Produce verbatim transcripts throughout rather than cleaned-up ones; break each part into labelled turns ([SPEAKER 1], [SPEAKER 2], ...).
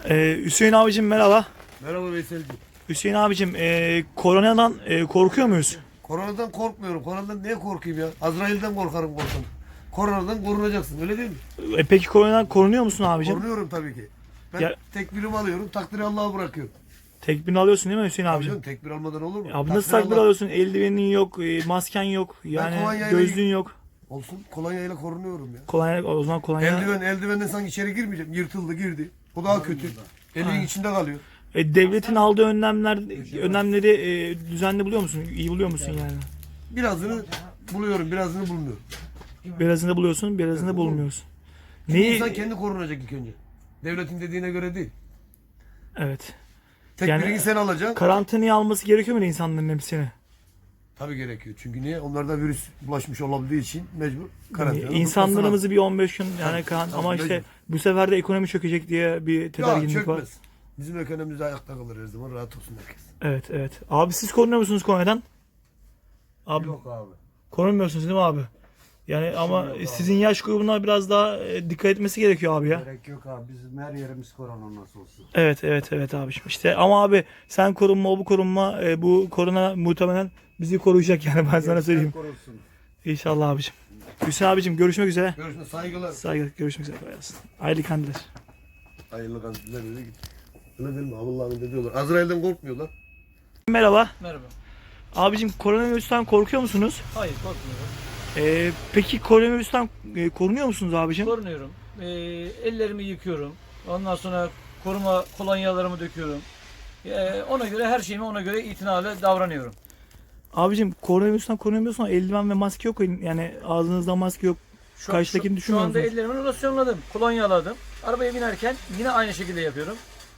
[SPEAKER 1] Ee, Hüseyin abicim merhaba.
[SPEAKER 2] Merhaba Veysel'cim.
[SPEAKER 1] Hüseyin abicim e, koronadan e, korkuyor muyuz?
[SPEAKER 2] Koronadan korkmuyorum. Koronadan niye korkayım ya? Azrail'den korkarım korksam. Koronadan korunacaksın öyle değil mi?
[SPEAKER 1] E, peki koronadan korunuyor musun abicim?
[SPEAKER 2] Korunuyorum tabii ki. Ben
[SPEAKER 1] Ya-
[SPEAKER 2] tekbirimi alıyorum. Takdiri Allah'a bırakıyorum.
[SPEAKER 1] Tekbirini alıyorsun değil mi Hüseyin
[SPEAKER 2] Tabii
[SPEAKER 1] abicim?
[SPEAKER 2] canım, tekbir almadan olur mu?
[SPEAKER 1] Abi nasıl
[SPEAKER 2] Takdir
[SPEAKER 1] takbir
[SPEAKER 2] Allah-
[SPEAKER 1] alıyorsun? Eldivenin yok, e, masken yok, yani
[SPEAKER 2] kolonyayla-
[SPEAKER 1] gözlüğün yok.
[SPEAKER 2] Olsun, kolonyayla korunuyorum ya.
[SPEAKER 1] Kolonya, o zaman kolonya.
[SPEAKER 2] Eldiven, eldivenden sanki içeri girmeyeceğim. Yırtıldı, girdi. O daha kötü. Elin içinde kalıyor.
[SPEAKER 1] E, devletin aldığı önlemler, önlemleri e, düzenli buluyor musun? İyi buluyor musun yani?
[SPEAKER 2] Birazını buluyorum, birazını bulmuyorum.
[SPEAKER 1] Birazını buluyorsun, birazını bulmuyorsun.
[SPEAKER 2] Çünkü
[SPEAKER 1] Neyi?
[SPEAKER 2] insan kendi korunacak ilk önce. Devletin dediğine göre değil.
[SPEAKER 1] Evet.
[SPEAKER 2] Tekbirini
[SPEAKER 1] Yani-
[SPEAKER 2] sen alacaksın.
[SPEAKER 1] Karantinaya alması gerekiyor mu insanların hepsini?
[SPEAKER 2] Tabii gerekiyor. Çünkü niye? Onlarda virüs bulaşmış olabildiği için mecbur karantina.
[SPEAKER 1] İnsanlarımızı bir on beş gün yani kan
[SPEAKER 2] tabii,
[SPEAKER 1] ama işte
[SPEAKER 2] mecbur.
[SPEAKER 1] bu sefer de ekonomi çökecek diye bir
[SPEAKER 2] Ya
[SPEAKER 1] tedirginlik var.
[SPEAKER 2] çökmez. Bizim ekonomimiz ayakta kalır her zaman. Rahat olsun herkes.
[SPEAKER 1] Evet evet. Abi siz korunuyor musunuz koronadan? Abi
[SPEAKER 3] Yok abi.
[SPEAKER 1] korunmuyorsunuz değil mi abi? Yani ama
[SPEAKER 3] yok abi.
[SPEAKER 1] sizin yaş grubuna biraz daha e, dikkat etmesi gerekiyor abi ya.
[SPEAKER 3] Gerek yok abi. Bizim her yerimiz korona nasıl olsun.
[SPEAKER 1] Evet evet evet abiciğim. İşte ama abi sen korunma o bu korunma e, bu korona muhtemelen bizi koruyacak yani ben sana söyleyeyim.
[SPEAKER 3] Korusun.
[SPEAKER 1] İnşallah abicim. Hüseyin abicim görüşmek üzere.
[SPEAKER 2] Görüşmek saygılar.
[SPEAKER 1] Saygı görüşmek üzere. Kolay gelsin. Hayırlı kandiller.
[SPEAKER 2] Hayırlı kandiller öyle git. Öyle değil mi? Allah'ın ne diyorlar. Azrail'den korkmuyorlar.
[SPEAKER 1] Merhaba.
[SPEAKER 4] Merhaba.
[SPEAKER 1] Abicim koronavirüsten korkuyor musunuz?
[SPEAKER 4] Hayır korkmuyorum.
[SPEAKER 1] Ee, peki koronavirüsten e, korunuyor musunuz abicim?
[SPEAKER 4] Korunuyorum. Ee, ellerimi yıkıyorum. Ondan sonra koruma kolonyalarımı döküyorum. Ee, ona göre her şeyimi ona göre itinalı davranıyorum.
[SPEAKER 1] Abicim koronavirüsten korunamıyorsun ama eldiven ve maske yok. Yani ağzınızda maske yok.
[SPEAKER 4] Şu,
[SPEAKER 1] Karşıdakini
[SPEAKER 4] şu, şu
[SPEAKER 1] düşünmüyor
[SPEAKER 4] anda
[SPEAKER 1] musunuz?
[SPEAKER 4] ellerimi losyonladım. Kolonyaladım. Arabaya binerken yine aynı şekilde yapıyorum.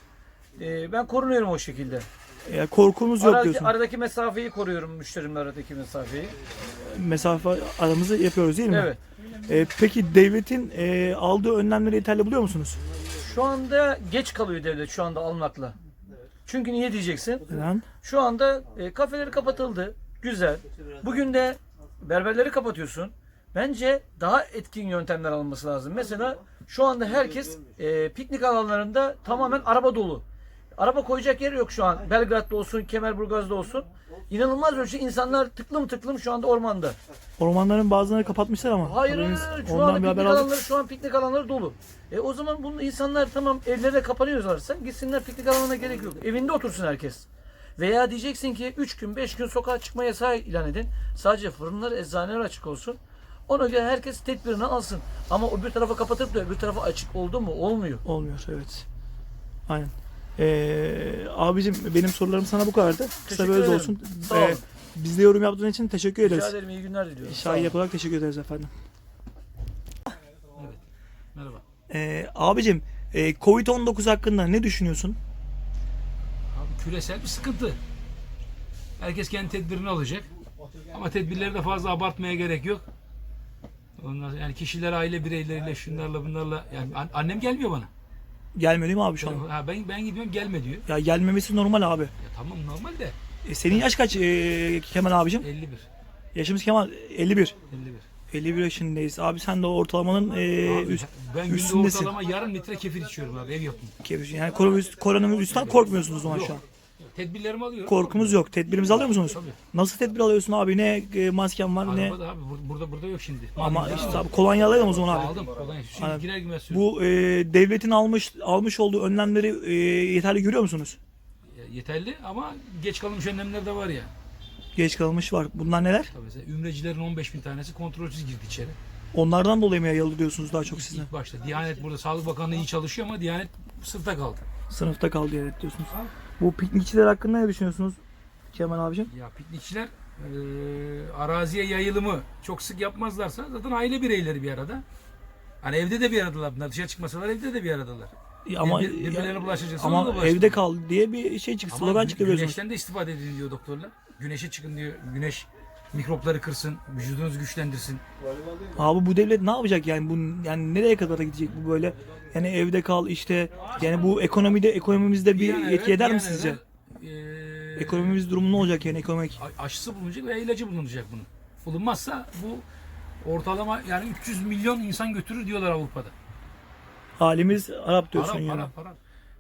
[SPEAKER 4] Ee, ben korunuyorum o şekilde.
[SPEAKER 1] Ya korkumuz yok
[SPEAKER 4] Aradaki,
[SPEAKER 1] diyorsun.
[SPEAKER 4] aradaki mesafeyi koruyorum. Müşterimle aradaki mesafeyi.
[SPEAKER 1] Mesafe aramızı yapıyoruz değil mi?
[SPEAKER 4] Evet.
[SPEAKER 1] Ee, peki devletin e, aldığı önlemleri yeterli buluyor musunuz?
[SPEAKER 4] Şu anda geç kalıyor devlet şu anda almakla. Çünkü niye diyeceksin?
[SPEAKER 1] Neden?
[SPEAKER 4] Şu anda e, kafeleri kapatıldı. Güzel. Bugün de berberleri kapatıyorsun. Bence daha etkin yöntemler alınması lazım. Mesela şu anda herkes e, piknik alanlarında tamamen araba dolu. Araba koyacak yer yok şu an. Belgrad'da olsun, Kemerburgaz'da olsun. İnanılmaz ölçüde insanlar tıklım tıklım şu anda ormanda.
[SPEAKER 1] Ormanların bazılarını kapatmışlar ama.
[SPEAKER 4] Hayır,
[SPEAKER 1] Haberiniz-
[SPEAKER 4] hayır, şu
[SPEAKER 1] ondan
[SPEAKER 4] anda
[SPEAKER 1] bir
[SPEAKER 4] piknik
[SPEAKER 1] haber aldık.
[SPEAKER 4] alanları şu an piknik alanları dolu. E o zaman bunu insanlar tamam evlerine kapanıyorlarsa gitsinler piknik alanına gerek yok. Evinde otursun herkes. Veya diyeceksin ki üç gün beş gün sokağa çıkma yasağı ilan edin. Sadece fırınlar, eczaneler açık olsun. Ona göre herkes tedbirini alsın. Ama öbür tarafa kapatıp da öbür tarafa açık oldu mu? Olmuyor.
[SPEAKER 1] Olmuyor evet. Aynen. Ee, abicim benim sorularım sana bu kadardı. Kısa
[SPEAKER 4] Teşekkür
[SPEAKER 1] bir öz
[SPEAKER 4] ederim.
[SPEAKER 1] olsun.
[SPEAKER 4] Sağ olun.
[SPEAKER 1] Bizde yorum yaptığın için teşekkür
[SPEAKER 4] Rica
[SPEAKER 1] ederiz.
[SPEAKER 4] ederim. İyi günler diliyorum. Sağ
[SPEAKER 1] Şahin
[SPEAKER 4] olun.
[SPEAKER 1] olarak teşekkür ederiz efendim.
[SPEAKER 4] Merhaba.
[SPEAKER 1] Ee, abicim e, kovid on dokuz hakkında ne düşünüyorsun?
[SPEAKER 5] Abi küresel bir sıkıntı. Herkes kendi tedbirini alacak. Ama tedbirleri de fazla abartmaya gerek yok. Ondan sonra yani kişiler, aile bireyleriyle, şunlarla bunlarla yani an- annem gelmiyor bana.
[SPEAKER 1] Gelmiyor değil mi abi şu an?
[SPEAKER 5] Ha, ben ben gidiyorum gelme diyor.
[SPEAKER 1] Ya gelmemesi normal abi.
[SPEAKER 5] Ya tamam normal de
[SPEAKER 1] E, senin yaş kaç e, Kemal abicim?
[SPEAKER 5] elli bir.
[SPEAKER 1] Yaşımız Kemal elli bir.
[SPEAKER 5] elli bir.
[SPEAKER 1] elli bir yaşındayız. Abi sen de ortalamanın e,
[SPEAKER 5] Abi,
[SPEAKER 1] üst,
[SPEAKER 5] ben günde
[SPEAKER 1] üstündesin.
[SPEAKER 5] ortalama yarım litre kefir içiyorum abi ev yapımı.
[SPEAKER 1] Yani koronavirüs, koronavirüsten korkmuyorsunuz o zaman şu an.
[SPEAKER 5] Tedbirlerimi alıyorum.
[SPEAKER 1] Korkumuz yok. Tedbirimizi alıyor musunuz?
[SPEAKER 5] Tabii.
[SPEAKER 1] Nasıl tedbir alıyorsun abi? Ne e, masken var ne?
[SPEAKER 5] Arabada abi bur- burada burada yok şimdi.
[SPEAKER 1] Ama
[SPEAKER 5] Aldım,
[SPEAKER 1] işte
[SPEAKER 5] aldım.
[SPEAKER 1] abi kolonya alalım o zaman abi.
[SPEAKER 5] Aldım. Kolonya. Şimdi
[SPEAKER 1] Aynen.
[SPEAKER 5] girer girmez söylüyorum.
[SPEAKER 1] Bu e, devletin almış almış olduğu önlemleri e, yeterli görüyor musunuz?
[SPEAKER 5] Yeterli ama geç kalınmış önlemler de var ya.
[SPEAKER 1] Geç kalmış var. Bunlar neler?
[SPEAKER 5] Tabii mesela ümrecilerin on beş bin tanesi kontrolsüz girdi içeri.
[SPEAKER 1] Onlardan dolayı mı yayıldı diyorsunuz daha çok
[SPEAKER 5] İlk,
[SPEAKER 1] sizden?
[SPEAKER 5] ilk başta. Diyanet burada Sağlık Bakanlığı iyi çalışıyor ama Diyanet sınıfta kaldı.
[SPEAKER 1] Sınıfta kaldı evet diyorsunuz. Bu piknikçiler hakkında ne düşünüyorsunuz Kemal abicim?
[SPEAKER 5] Ya piknikçiler eee, araziye yayılımı çok sık yapmazlarsa zaten aile bireyleri bir arada. Hani evde de bir aradalar bunlar. Dışarı çıkmasalar evde de bir aradalar.
[SPEAKER 1] Ama
[SPEAKER 5] Bir- birbirlerine bulaşacaksa
[SPEAKER 1] ama
[SPEAKER 5] ona da bulaşsın.
[SPEAKER 1] evde kal diye bir şey çıktı.
[SPEAKER 5] Ama
[SPEAKER 1] Slogan
[SPEAKER 5] gü-
[SPEAKER 1] çıkıyor biliyorsunuz.
[SPEAKER 5] güneşten de istifade edin diyor doktorlar. Güneşe çıkın diyor. Güneş mikropları kırsın, vücudunuzu güçlendirsin.
[SPEAKER 1] Abi bu devlet ne yapacak yani bu yani nereye kadar gidecek bu böyle? Yani evde kal işte yani bu ekonomide ekonomimizde bir
[SPEAKER 5] an
[SPEAKER 1] etki
[SPEAKER 5] evvel-
[SPEAKER 1] eder
[SPEAKER 5] bir
[SPEAKER 1] mi
[SPEAKER 5] an
[SPEAKER 1] sizce?
[SPEAKER 5] evvel, eee,
[SPEAKER 1] Ekonomimiz durumu ne olacak yani ekonomik?
[SPEAKER 5] a- aşısı bulunacak veya ilacı bulunacak bunun. Bulunmazsa bu ortalama yani üç yüz milyon insan götürür diyorlar Avrupa'da.
[SPEAKER 1] Halimiz Arap diyorsun
[SPEAKER 5] Para,
[SPEAKER 1] yani.
[SPEAKER 5] para, para.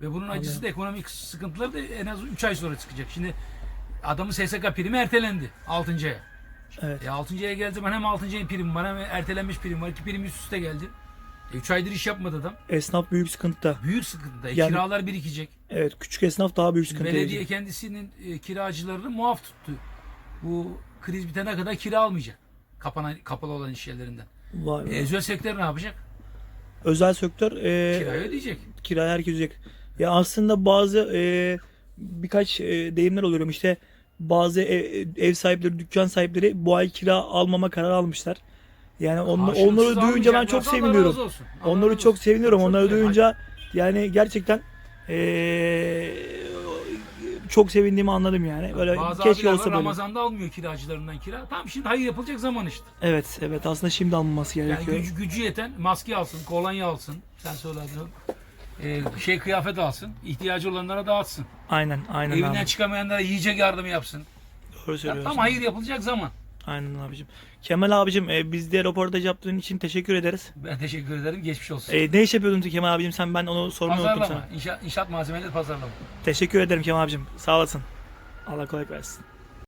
[SPEAKER 5] Ve bunun acısı da ekonomik sıkıntıları da en az üç ay sonra çıkacak. Şimdi adamın S S K primi ertelendi altıncı aya.
[SPEAKER 1] Evet.
[SPEAKER 5] E altıncı aya geldi zaman hem altıncı ayın primi var hem ertelenmiş prim var. İki prim üst üste geldi. E üç aydır iş yapmadı adam.
[SPEAKER 1] Esnaf büyük sıkıntıda.
[SPEAKER 5] Büyük sıkıntıda. E
[SPEAKER 1] Yani-
[SPEAKER 5] kiralar birikecek.
[SPEAKER 1] Evet, küçük esnaf daha büyük sıkıntıya
[SPEAKER 5] Belediye
[SPEAKER 1] girecek.
[SPEAKER 5] kendisinin e, kiracılarını muaf tuttu. Bu kriz bitene kadar kira almayacak. Kapanan, kapalı olan iş yerlerinden.
[SPEAKER 1] Vay
[SPEAKER 5] E,
[SPEAKER 1] be.
[SPEAKER 5] özel sektör ne yapacak?
[SPEAKER 1] Özel sektör e,
[SPEAKER 5] Kirayı ödeyecek.
[SPEAKER 1] kirayı herkes ödeyecek. Ya aslında bazı e, birkaç e, deyimler oluyor. İşte bazı ev, ev sahipleri, dükkan sahipleri bu ay kira almama kararı almışlar. Yani on,
[SPEAKER 5] Karşılıksız
[SPEAKER 1] onları duyunca ben çok
[SPEAKER 5] almayacaklarsa Allah
[SPEAKER 1] seviniyorum.
[SPEAKER 5] razı olsun. Allah
[SPEAKER 1] Onları
[SPEAKER 5] razı
[SPEAKER 1] çok
[SPEAKER 5] olsun.
[SPEAKER 1] seviniyorum.
[SPEAKER 5] Çok
[SPEAKER 1] Onları
[SPEAKER 5] güzel.
[SPEAKER 1] duyunca yani gerçekten eee, çok sevindiğimi anladım yani. Böyle
[SPEAKER 5] Bazı
[SPEAKER 1] keşke
[SPEAKER 5] abiler
[SPEAKER 1] olsa
[SPEAKER 5] var,
[SPEAKER 1] böyle.
[SPEAKER 5] Ramazan'da almıyor kiracılarından kira. Tam şimdi hayır yapılacak zaman işte.
[SPEAKER 1] Evet, evet. Aslında şimdi alınması
[SPEAKER 5] Yani
[SPEAKER 1] gerekiyor.
[SPEAKER 5] gücü, gücü yeten maske alsın, kolonya alsın. Sen söyledin. Ee, şey kıyafet alsın. İhtiyacı olanlara dağıtsın.
[SPEAKER 1] Aynen, aynen
[SPEAKER 5] Evinden
[SPEAKER 1] abi.
[SPEAKER 5] çıkamayanlara yiyecek yardımı yapsın.
[SPEAKER 1] Doğru
[SPEAKER 5] Ya,
[SPEAKER 1] söylüyorsun.
[SPEAKER 5] tam hayır yapılacak zaman.
[SPEAKER 1] Aynen abicim. Kemal abicim, e, bizde röportaj yaptığın için teşekkür ederiz.
[SPEAKER 5] Ben teşekkür ederim. Geçmiş olsun.
[SPEAKER 1] E, ne iş yapıyordun Kemal abicim? Sen, ben onu sormayı unuttum
[SPEAKER 5] Pazarlama.
[SPEAKER 1] sana.
[SPEAKER 5] İnşaat, inşaat malzemeleri pazarlama.
[SPEAKER 1] Teşekkür ederim Kemal abicim. Sağ olasın. Allah kolaylık versin.